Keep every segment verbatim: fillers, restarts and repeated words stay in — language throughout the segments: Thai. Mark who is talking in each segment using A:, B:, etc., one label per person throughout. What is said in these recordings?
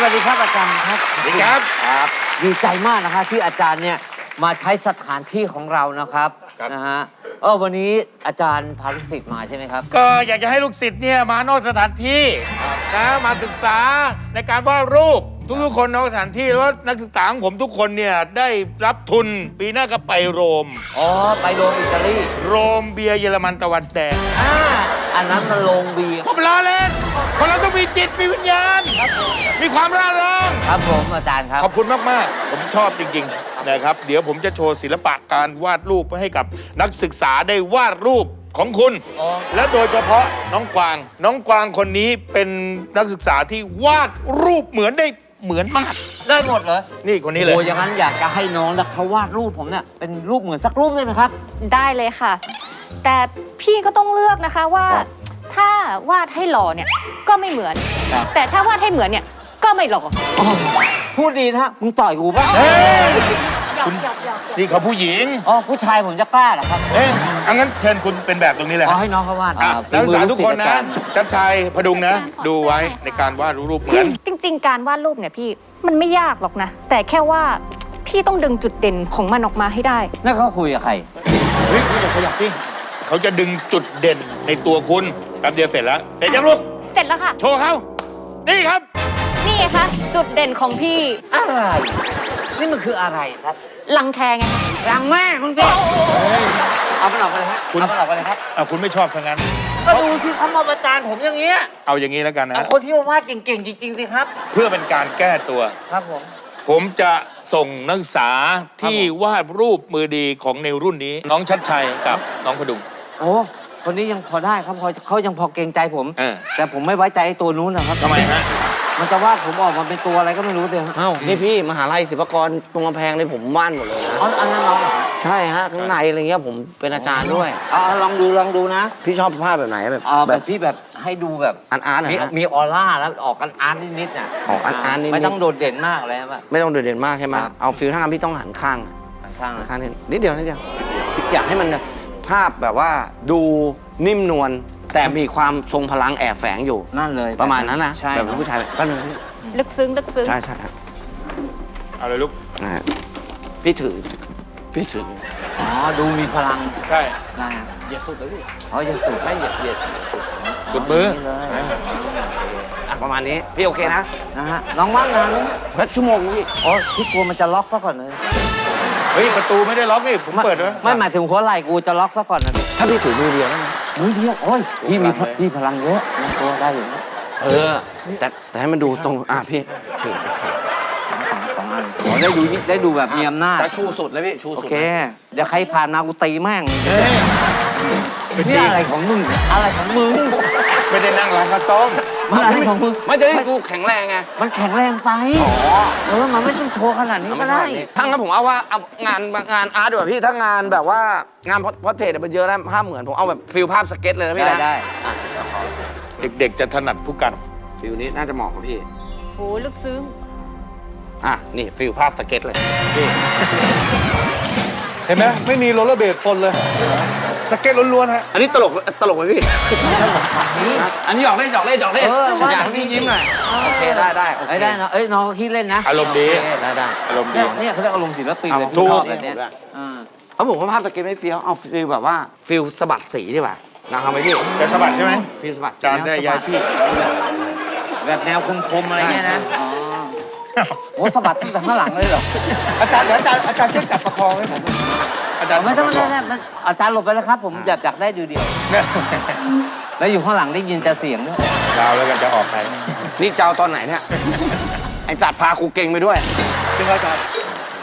A: วัสดีครับอาจารย์ครับ
B: สวัสดีครับ
A: ครับดีใจมากนะคะที่อาจารย์เนี่ยมาใช้สถานที่ของเรานะครับนะฮะเออวันนี้อาจารย์พาลูกศิษย์มาใช่ไหมครับ
B: ก็อยากจะให้ลูกศิษย์เนี่ยมานอกสถานที่นะมาศึกษาในการวาดรูปทุกๆคนนอกสถานที่แล้วนักศึกษาของผมทุกคนเนี่ยได้รับทุนปีหน้าก็ไปโรม
A: อ๋อไปโรมอิตาลี
B: โรมเบียร์เยอรมันตะวันแดง
A: อ่าอันนั้นมันโรงเบียร์
B: ผมล้อเล่นคนเราต้องมีจิตมีวิญญาณมีความร่าเริง
A: ครับผมอาจารย์ครับ
B: ขอบคุณมากๆผมชอบจริงๆนะครับเดี๋ยวผมจะโชว์ศิลปะการวาดรูปให้กับนักศึกษาได้วาดรูปของคุณและโดยเฉพาะน้องกวางน้องกวางคนนี้เป็นนักศึกษาที่วาดรูปเหมือนได้เหมือนมาก
A: ได้หมดเหรอ
B: นี่คนนี้เลย
A: โอ้อย่างนั้นอยากจะให้น้องนะเขาวาดรูปผมเนี่ยเป็นรูปเหมือนสักรูปได้ไหมครับ
C: ได้เลยค่ะแต่พี่ก็ต้องเลือกนะคะว่าถ้าวาดให้หล่อเนี่ยก็ไม่เหมือนแต่ถ้าวาดให้เหมือนเนี่ยก็ไม่หล่อ
A: พูดดีนะมึงต่อยกูป่ะ
B: คุณนี่เขาผู้หญิง
A: อ๋อผู้ชายผมจะกล้าเหรอครับ
B: เอ๊ะงั้นเชิญคุณเป็นแบบตรงนี้เลย
A: อ๋อให้น้องเขาวาด
B: นักศึกษาทุกคนนะจับชายพดุงนะดูไว้ในการวาดรูปเหมือน
C: จริงๆการวาดรูปเนี่ยพี่มันไม่ยากหรอกนะแต่แค่ว่าพี่ต้องดึงจุดเด่นของมันออกมาให้ได้
A: นั่นเขาคุยกับใคร
B: เฮ้ยคุณอย่าขยับสิเขาจะดึงจุดเด่นในตัวคุณแป๊บเดียวเสร็จแล้วเสร็จยังลูก
C: เสร็จแล้วค่ะ
B: โชว์เขานี่ครับ
C: นี่ไงคะจุดเด่นของพี่
A: อะไรนี่มันคืออะไรครับ
C: รังแคไง
A: รังแม่คุณพี่เอาไปหลอกไปเลยครับเอาไปหลอกไปเลยครับ
B: เอาคุณไม่ชอบทั้งนั้น
A: ก็ดูที่เขามาประจานผมอย่างเงี้ย
B: เอาอย่างนี้แล้วกันนะ
A: คนที่มาวาดเก่งๆจริงๆสิครับ
B: เพื่อเป็นการแก้ตัว
A: ครับผม
B: ผมจะส่งนักศึกษาที่วาดรูปมือดีของในรุ่นนี้น้องชัดชัยกับน้องพดุง
A: โอ้คนนี้ยังพอได้ครับพอเขายังพอเกรงใจผมแต่ผมไม่ไว้ใจไอ้ตัวนู้นนะครับ
B: ทำไมฮะ
A: มันจะวาดผมออกมาเป็นตัวอะไรก็ไม่รู้เลย
D: เอ้านี่พี่มหาลัยศิลปากรตรงกำแพงนี่ผมวาดหมดเลยนะ
A: อ๋ออันนั้นน้อง
D: ใช่ฮะข้างในอะไรเงี้ยผมเป็นอาจารย์ด้วย
A: อ๋อลองดูลองดูนะ
D: พี่ชอบภาพแบบไหนแบบ
A: แบบพี่แบบให้ดูแบบ
D: อาร์ตอาร์ตนะ
A: มีออร่าแล้วออกกันอาร์ตนิดๆน่ะ
D: ออกอาร์ตอาร์ตนิด
A: ไม่ต้องโดดเด่นมากเลย
D: ป่ะไม่ต้องโดดเด่นมากใช่ไหมเอาฟิลท่าพี่ต้องหันข้าง
A: หันข้าง
D: ข้างนิดนิดเดียวนิดเดียวอยากให้มันภาพแบบว่าดูนิ่มนวลแต่มีความทรงพลังแอบแฝงอยู่
A: นั่นเลย
D: ประมาณนั้นนะแบบผู้ชายก็เลย
C: ลึกซึ้งลึกซึ้ง
D: ใช่ใช่
B: เอาเลยลูก
D: นะพี่ถือพี่ถือ
A: อ๋อดูมีพลัง
B: ใช่
A: ได้
D: เหยียดสุดเลยพี่
A: อ๋อเหยียดสุด
D: ไม่เหยียดเหยียด
B: สุดมือ
D: ประมาณนี้พี่โอเคนะ
A: นะฮะน้องว่างนานไหม
D: ชั่วโมงพี่
A: อ๋อพี่กลัวมันจะล็อกซะก่อนเลย
B: เฮ้ยประตูไม่ได้ล็อกนี่ผมเปิดไว้
A: ไม่หมายถึงหัวไหล่กูจะล็อกซะก่อนนะ
D: ถ้าพี่ถือมือเดียวได้ไหม
A: มือเดียวโอ้ยพี่มีพี่พลังเยอะนะตัวได้อยู่
D: เออแต่แต่ให้มันดูตรงอ่ะพี่ถือ
A: สองอันอ๋อได้ดูได้ดูแบบมีอำนาจ
D: แต่ชูสุดเลยพี่ชูสุด
A: โอเคเดี๋ยวใครผ่านมากูตีแม่งนี่อะไรของมึงอะไรของมึง
B: ไม่ได้นั่งร้านข้าวต้ม
A: อะไรของมึง
D: ไม่จะได้ดูแข็งแรงไง
A: มันแข็งแรงไปอ๋อเออมันไม่ต้องโชว์ขนาดนี้ก็ได้
D: ทั้งนั้นผมเอาว่าเอางานงานอาร์ตดีกว่าพี่ถ้างานแบบว่างานพอร์เทรตมันเยอะแล้วภาพเหมือนผมเอาแบบฟิลภาพสเก็ตเลยนะพี่
A: นะได้
B: เด็กๆจะถนัดผู้กัน
D: ฟิลนี้น่าจะเหมาะกับพี่
C: โอ้ลึกซึ้ง
D: อ่ะนี่ฟิลภาพสเก็ตเลยนี่
B: เห็นไหมไม่มีโรลเลอร์เบลปนเลยสเก็ตล้วนๆฮะ
D: อันนี้ตลกตลกไหมพี่อันนี้หยอกเล่นหยอกเล่นหยอกเล่นอยากพี่ยิ้มหน่อยโอเคได้ได้
A: ได้เนาะเอ้ยน้องคิดเล่นนะ
B: อารมณ์ดี
A: ได้ได้
B: อารมณ์ดี
A: เนี่ยเขาเรียกอารมณ์ศิลปินเลย
B: ถูก
A: แบบนี้
D: เขาบอกว่าภาพสเก็ตไม่เฟี้ยวเอาฟิลแบบว่าฟิลสะบัดสีดีกว่านะครับไหมพี่
B: จะสะบัดใช่ไหม
D: ฟิลสะบัด
B: จานได้ยายพี่
A: แบบแนวคมๆอะไรเงี้ยนะโอ้สะบัดตั้งแต่ข้างหลังเลยเหรอ
B: อาจารย์อาจารย์อาจารย์ช่วยจับประคองให้ผม
A: อาจารย์ไม่ต้องไม่ต้องอาจารย์หลบไปแล้วครับผมอยากอยากได้ดูเดียวแล้วอยู่ข้างหลังได้ยินแต่เสียงด้วย
B: ดาวแล้วกันจะออกใคร
D: นี่เจ้าตอนไหนเนี่ยไอ้จัดพาครูเก่งไปด้วย
B: จริงอาจารย์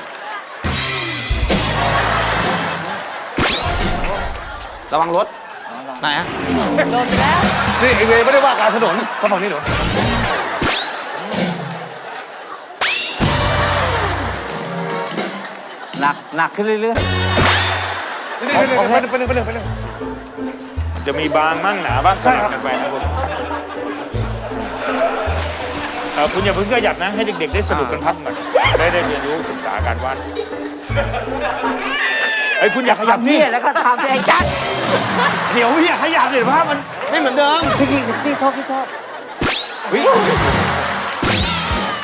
D: ระวังรถไหนฮะ
C: โดนแล้ว
B: นี่ไอเวไม่ได้ว่าการถนนก็ฝั่งนี้หนู
A: หนักหนักขึ้นเรื่อย
B: ๆไปเรื่อยๆไปเรื่อยๆไปเรื่อยๆไปเรื่อยๆจะมีบางมั่งหนาบ้างใช่ครับกันไปครับผมคุณอย่าเพิ่งขยับนะให้เด็กๆได้สนุกกันพักหน่อยได้ได้เรียนรู้ศึกษาการวาดไอ้คุณอยากขยับนี่
A: แล้วก็ทำที่ไอ้จัด
D: เดี๋ยวพี่อยากขยับเดี๋ยวภาพมันไม่เหมือนเดิม
A: พี่พี่พี่โทษพี่โทษ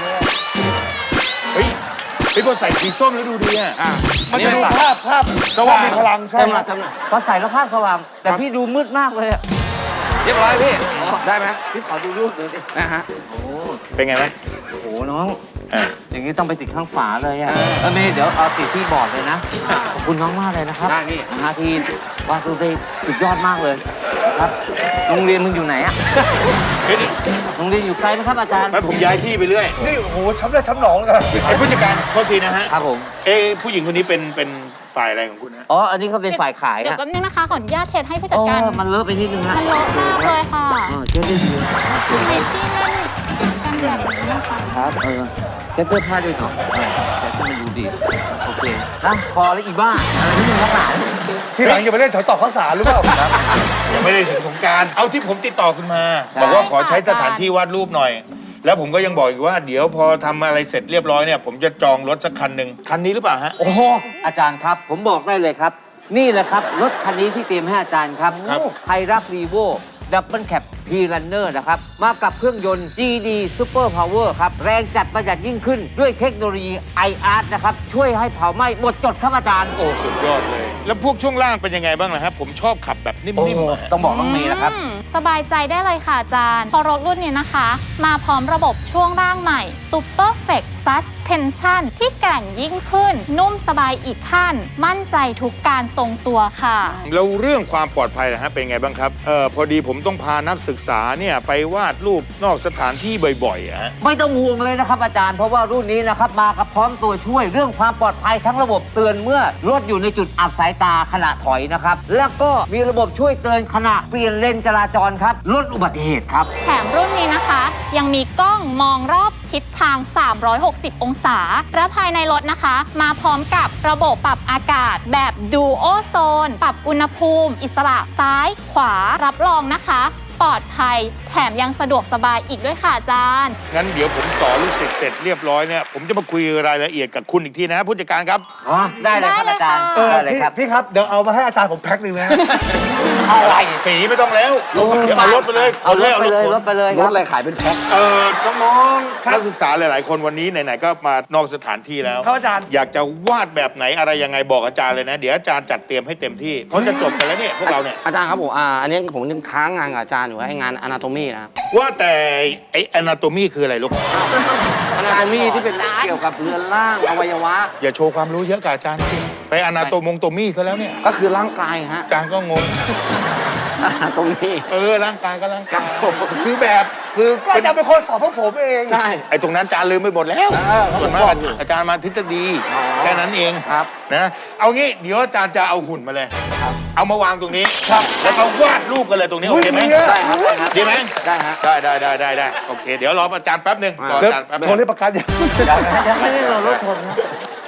B: เฮ้ยเฮ้ยพอใส่สีส้มแล้วดูดีอ่ะ
D: อ่ะ
B: มันจะดูภาพภาพสว่างมีพลังใช่
D: เต็ม
B: ไห
D: ห
B: ม
D: น่อยเต็มหน่อย
A: พอใส่แล้วภาพสว่าง แต่
B: ครับ
A: พี่ดูมืดมากเลยอะ
D: เรียบร้อยพี่ ได้ไหม
A: พี่ขอดูรูปหน่อยดิ
D: นะฮะ
A: โอ้
B: เป็นไงไหม
A: โหน้อง
B: อ่ะ
A: อย่างนี้ต้องไปติดข้างฝาเลยอะเออเมย์เดี๋ยวเอาติดที่บอร์ดเลยนะ ขอบคุณน้องมากเลยนะครับ
D: ได้พี่
A: นะฮะที่วาดรูปได้สุดยอดมากเลยครับ โรงเรียนมึงอยู่ไหนอะ
B: เฮ้ย
A: โรงเรียนอยู่ไกลไหมครับอาจารย์
B: งั้นผมย้ายที่ไปเรื่อย
E: นี่โอ้โหช้ำเลือดช้ำหนองเลย
B: ไอ้ผู้จัดการโทษทีนะฮะ
A: ครับผม
B: เอ้ผู้หญิงคนนี้เป็นเป็นฝ่ายอะไรของคุณฮะ
A: อ๋อ อันนี้เขาเป็นฝ่ายขาย
C: เดี๋ยว
A: ฮะ
C: แป๊บนึงนะคะ ขออนุญาตเช็ดให้ผู้จัด
A: โอ้
C: การ
A: มันเลอะไปนิดนึงฮะ
C: มันเลอะมากเลยค่ะ
A: เออเช็ดได้ดี
C: ทำไมพี่เล่นกันแบบนี้นะคะ
A: ครับ เออเช็ดเสื้อผ้าด้วยเถอะเออเช็ดให้มันดูดี โอเคนะพอแล้วอีบ้า อะไรที่มึงรักหนา
E: ที่หลังอย่าไปเล่นแถวตอกข้าวสารหรือเปล่าครับ
B: ยังไม่ได้ถึงสงกรารเอาที่ผมติดต่อคุณมา
A: ใช่
B: บอกว่าขอใช้สถานที่วาดรูปหน่อย แล้วผมก็ยังบอกอีกว่าเดี๋ยวพอทำอะไรเสร็จเรียบร้อยเนี่ยผมจะจองรถสักคันหนึ่งคันนี้หรือเปล่าฮะ
A: โอ้โหอาจารย์ครับ ผมบอกได้เลยครับ นี่แหละครับ รถคันนี้ที่เตรียมให้อาจารย์ครับ
B: ครับ
A: ไฮรักรีโวดับเบิลแคปพีรันเนอร์นะครับ มากับเครื่องยนต์ จี ดี Super Power ครับ แรงจัดประหยัดยิ่งขึ้น ด้วยเทคโนโลยี ไอ อาร์ นะครับ ช่วยให้เผาไหม้หมดจดครับอาจารย์ โอ้
B: สุดยอดเลย แล้วพวกช่วงล่างเป็นยังไงบ้างล่ะครับ ผมชอบขับแบบนิ่มๆอะ
A: ต้องบอกน้องเมย์นะครับ
C: อืมสบายใจได้เลยค่ะอาจารย์เพอรถรุ่นนี้นะคะ มาพร้อมระบบช่วงล่างใหม่ Super Flex Suspension ที่แกร่งยิ่งขึ้น นุ่มสบายอีกขั้น มั่นใจทุกการทรงตัวค่ะ
B: แล้วเรื่องความปลอดภัยนะฮะเป็นไงบ้างครับเออพอดีผมต้องพานักศึกษาเนี่ยไปวาดรูปนอกสถานที่บ่อยๆอะฮะ
A: ไม่ต้องห่วงเลยนะครับอาจารย์ เพราะว่ารุ่นนี้นะครับมากับพร้อมตัวช่วยเรื่องความปลอดภัยทั้งระบบเตือนเมื่อรถอยู่ในจุดอับสายตาขณะถอยนะครับ แล้วก็มีระบบช่วยเตือนขณะเปลี่ยนเลนจราจรครับลดอุบัติเหตุครับ
C: แถมรุ่นนี้นะคะ ยังมีกล้องมองรอบทิศทาง สามร้อยหกสิบ องศา และภายในรถนะคะ มาพร้อมกับระบบปรับอากาศแบบ Duo Zone ปรับอุณหภูมิ อิสระซ้าย ขวารับรองนะคะ ปลอดภัย แถมยังสะดวกสบายอีกด้วยค่ะอาจารย์
B: งั้นเดี๋ยวผมสอนลูกศิษย์เสร็จเรียบร้อยเนี่ยผมจะมาคุยรายละเอียดกับคุณอีกทีนะผู้จัดการครับ
A: อ๋อ ได้เลยครับ
C: ได้เลย
A: อาจารย์
C: ค่ะ
E: เออ
A: ได้เลย
E: พี่
A: ครับ
E: พี่ครับ เดี๋ยวเอามาให้อาจารย์ผมแพ็คหนึ่งนะ
B: อะไรสีไม่ต้องแล้วเดี๋ยวเอารถไปเลย
A: เอารถไปเลย
B: ขน
A: รถไปเลยค
D: ร
A: รั
D: ถ
A: บ
D: อะไรขายเป็นแพ็ค
B: เออน้องๆนักศึกษาหลาย ๆ คนวันนี้ไหน ๆ ก็มานอกสถานที่แล้ว
E: ครับอาจารย์
B: อยากจะวาดแบบไหนอะไรยังไงบอกอาจารย์เลยนะ เดี๋ยวอาจารย์จัดเตรียมให้เต็มที่เพราะจะจบกันแล้วเนี่ยพวกเราเนี่ย
D: อาจารย์ครับผมอ่าอันนี้ผมยังค้างงานกับอาจารย์อยู่ไอ้งานอนาโตมีนะครับ
B: ว่าแต่ไอ้ anatomy คืออะไรลูก
D: อนาโตมีที่เป็นเกี่ยวกับเรือนร่างอวัยวะ
B: อย่าโชว์ความรู้เยอะกับอาจารย์สิไปอนาโตมงโตมี่ซะแล้วเนี่ย
D: ก็คือร่างกายฮะ
B: อาจารย์ก็งง
D: อนาโตมี
B: เออร่างกายก็ร่างกายคือแบบคือ
E: ก็อาจารย์เป็นคนสอนพวกผมเอง
D: ใช่
B: ไอ้ตรงนั้นอาจารย์ลืมไปหมดแล้ว
D: เออเขา
B: ส่วนมาก
D: บอกอยู่
B: อาจารย์มาทฤษฎี
D: อ๋อ
B: แค่นั้นเอง
D: ครับ
B: นะเอางี้เดี๋ยวอาจารย์จะเอาหุ่นมาเลย
D: ครับ
B: เอามาวางตรงนี้แล้วก็วาดรูปกันเลยตรงนี้โอเคไหม
D: ได้ครับได้ครับ
B: ดีไหม
D: ได้ฮะ
B: ได้ได้ได้ได้ได้โอเค เดี๋ยวรออาจารย์แป๊บหนึ่งรอ
E: เดี๋ยว
B: อาจารย์แป๊บหนึ
E: โทรเรีย
B: ง
E: กประกันอย่าง
A: ยังไม่ได้เรารถชนนะ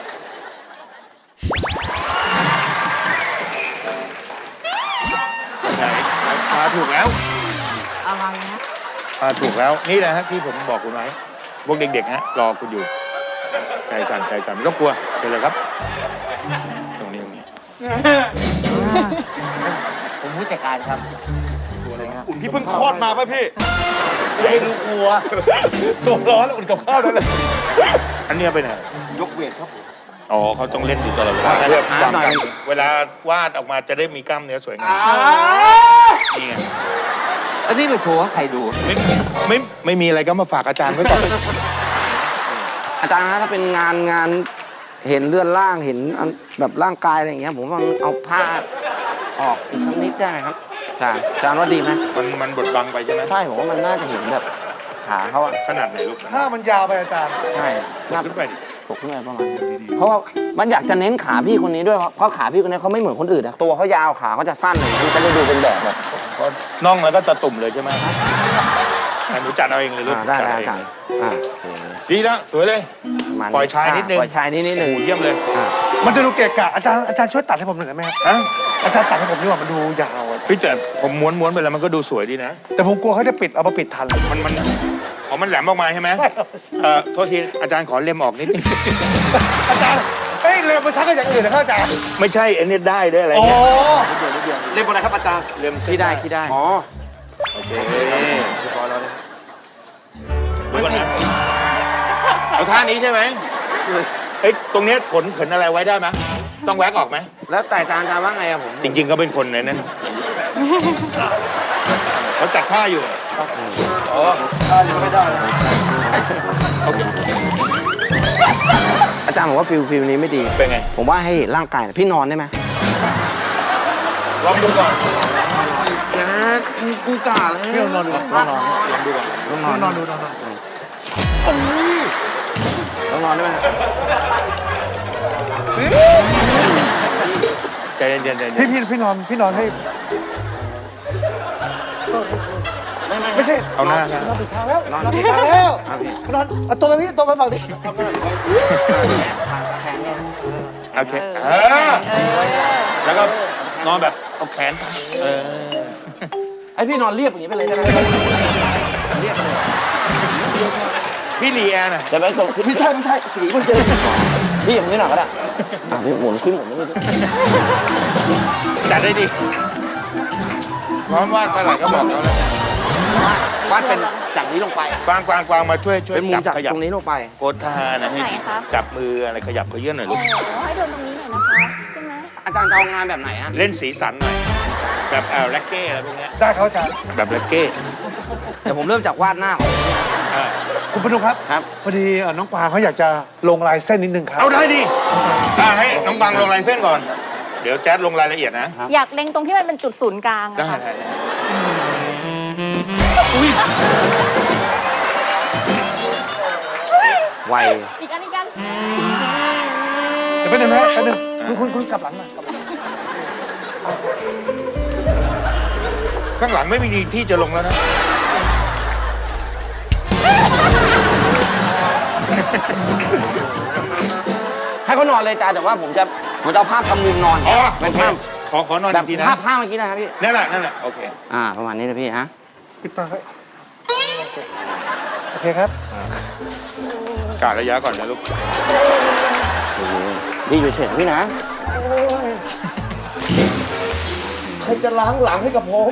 B: ไหนมาถูกแล้ว
A: อะไรนะ
B: มาถูกแล้วนี่แหละฮะที่ผมบอกคุณไว้พวกเด็กๆฮะรอคุณอยู่ใจสั่นใจสั่นไม่ต้องกลัวเชิญเลยครับ ตรงนี้ตรงนี้
A: ผมผู้จัดการครับตัวอะไรครับ
E: พี่เพิ่งคลอดมาป่ะพี่
A: อย่าให้รู้กลัว
E: ตัวร้อนอุ่นกับข้าวนั่นเลย
B: อันเนี้ยไปไหน
E: ยกเวทครับผม
B: อ๋อเขาต้องเล่นอยู่ตลอดเวลาเพื่อจำกันเวลาวาดออกมาจะได้มีกล้ามเนื้อสวยงามนี่ไง
A: อันนี้ไปโชว์ให้ใครดู
B: ไม่ไม่ไม่มีอะไรก็มาฝากอาจารย์ไว้ก่อน
D: อาจารย์ฮะถ้าเป็นงานงานเห็นเลื่อนร่างเห็นอันแบบร่างกายอะไรอย่างเงี้ยผมว่าเอาผ้าออกอีกสักนิดได้ไหมครับอาจารย์อาจารย์ว่าดีไหม
B: มันมันบดบังไปใช่ไหม
D: ใช่ผมว่ามันน่าจะเห็นแบบขาเขาอะ
B: ขนาดไหนลูก
E: ถ้ามันยาวไปอาจารย์
D: ใช่หน้า
B: ขึ้นไปดิ
D: ปกขึ้นไปประมาณนี้เพราะว่ามันอยากจะเน้นขาพี่คนนี้ด้วยเพราะขาพี่คนนี้เขาไม่เหมือนคนอื่นอะตัวเขายาวขาเขาจะสั้นเลยมันจะได้ดูเป็นแบบแบบ
B: เพราะน่องแล้วก็ตะตุ่มเลยใช่ไหมอ่ะหนูจัดเอาเองเลยลูก
D: อ่าได้
B: จั
D: ได้
B: เอ
D: อาง จารย์อ่าโอเค
B: ดีแล้วสวยเลย
D: ประมาณ
B: ปล่อยชายนิดนึง
D: ปล่อยชายนิดนิดนึง
B: โอ้เยี่ยมเลย
D: อ่า
E: มันจะดูเกะกะอาจารย์อาจารย์ช่วยตัดให้ผมหน่อยได้ไหมครับ
B: ฮะ
E: อาจารย์ตัดให้ผมดีกว่ามันดูยาวอะ
B: พี่แต่ผมม้วนม้วนไปแล้วมันก็ดูสวยดีนะ
E: แต่ผมกลัวเขาจะปิดเอามาปิดทัน
B: มันมันอ๋อมันแหลมออกมาใช่ไหมเอ่อโทษทีอาจารย์ขอเล็มออกนิดนึง
E: อาจารย์เฮ้ยเรือมาชักก็อย่างอื่นนะครับอาจารย์
B: ไม่ใช่อันนี้ได้ด้วยอะไร
E: โอ้
B: เงี้ย
E: เรียกอะไรครับอาจารย์
B: เล็ม
D: ขี้ได้ขี้ได้
E: อ๋อ
B: โอเค
E: เรียบร้อยแล้วนะ
B: ดูก่อนนะเอาท่านี้ใช่ไหมเอ้ยตรงเนี้ยขนขนอะไรไว้ได้ไหมต้องแว็กออกไหม
D: แล้วแต่อาจารย์อาจารย์ว่าไงอะผม
B: จริงๆก็เป็นคนในนั้นเขาจัดท่าอยู่
E: อ๋อท่ายังไม่ได้นะ
B: โอเค
D: อาจารย์บอกว่าฟิลฟิลนี้ไม่ดี
B: เป็นไง
D: ผมว่าให้เห็นร่างกายหน่อยพี่นอนได้ไหม
B: ลองดูก่อน
D: แกกูกล้าเลย
E: พี่ลองนอนดูลองนอน
B: ลองดูก่อน
D: ต้องน
E: ล
D: อ
E: อน งนอนดูลองนอน
D: ต้องนอนได้ไหม
B: ใจเย็นๆใจเย็
E: พี่
B: น
E: พี่พี่นอนพี่นอนให้ไม่ใช่
B: ๆเอาหน้าหน้าน
E: อนติดทางแล้วนอนติดทางแล้ว
D: ครับพี่
E: นอนเอาตัวไปพี่ตัวไปฝั่งนี้
B: โอเคเออแล้วก็นอนแบบเอาแขนเออ
D: ไอพี่นอนเรียบอย่างนี้ไปเลยได้ไหม
B: พี่ลีแอนน่ะ
D: เดี๋ยวไปตรง
E: ไม่ใช่ไม่ใช่สีมันเจอ
D: พี่อย่างนี้หน่อยก็ได้อ่ะพี่หมุนขึ้นหมุนนี่
B: จัดได้ดีพร้อมวาดเมื่อไหร่ก็บอกแล้วนะ
D: วาดเป็นจากนี้ลงไป
B: กวางกวางกวางมาช่วยช่วย
D: เป็นมุม
B: จั
D: จาก
B: บขยับ
D: ตรงนี้ลงไป
B: โพสท่านะให้
C: ไหนคะ
B: จับมืออะไรขยับขยื่นหน่อยลูก
C: ให้โดนตรงนี้หน่อยนะคะใช่ไหม
D: อาจารย์จะเอางานแบบไหนอะ
B: เล่นสีสันหน่อยแบบเออแร็กเก้อะไรพวกเนี้ย
E: ได้ครับอาจารย์
B: แบบแร็กเก้
D: เดี๋ยวผมเริ่มจากวาดหน้าของ
B: อ่า
E: คุณพนุครับ
D: ครับ
E: พอดีเอ่อน้องกวางเขาอยากจะลงลายเส้นนิดนึงครับ
B: เอาได้ดิอ่าให้น้องบังลงลายเส้นก่อน เดี๋ยวแจ๊ดลงรายละเอียดนะ
C: อยากเล็งตรงที่มันเป็นจุดศูนย์กลาง
B: ได้
C: อะค่ะ
B: ได้ได้
D: ไว
C: อีกอันอีกอัน
E: เดี๋ยวไปบนึงนะแป๊บนึงคุณคุณคุณกลับหลังหน่อยกลับหลัง
B: ข้างหลังไม่มีที่จะลงแล้วนะ
D: ให้เขานอนเลยอาจารย์แต่ว่าผมจะผมจะเอาภาพทำมุมนอน
B: อ๋อ
D: เป็นภาพ
B: ขอขอนอน
D: แบ
B: อี
D: บ
B: กทีนะ
D: ภาพภาพเมื่อกี้นะครับพี่
B: นั่นแหละนั่นแหละโอเค
D: อ่า ประมาณนี้นะพี่ฮะ
E: ปิดตาไว้โอเคครับ
B: กาดระยะก่อนนะลูก
D: ดีอยู่เฉยๆพี่นะ
E: ใครจะล้างหลังให้กับผม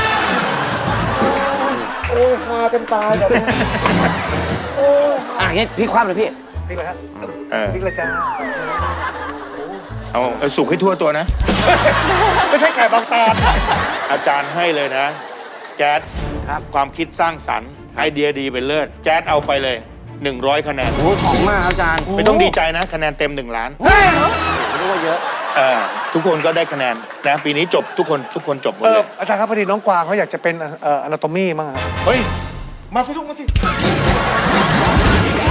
E: โอ้ยหากันตายแบบนี้โอ้ย
D: อ่ะงี้พี่คว่ำเลยพี่
E: นี่เลยครับ
B: เออ
E: นี่เลยจ้า
B: เอาเอาสุกให้ทั่วตัวนะ
E: ไม่ใช่ไก่บางตา
B: อาจารย์ให้เลยนะ แจ๊ด
D: ครับ
B: ความคิดสร้างสรรค์ไอเดียดีเป็นเลิศแจ๊ดเอาไปเลยหนึ่งร้อยคะแนน
D: โอ้ยของมากครับอาจารย์
B: ไม่ต้องดีใจนะ คะแนนเต็มหนึ่งล้าน
D: ผมรู้ว่าเยอะ
B: เออทุกคนก็ได้คะแนนนะปีนี้จบทุกคนทุกคนจบหมด
E: เอ
B: เล
E: อย อาจารย์ครับพอดีน้องกวางเขาอยากจะเป็นเอ่ออนาโตมีมั้งครับ
B: เฮ้ย
E: มาสิลูกมาสิ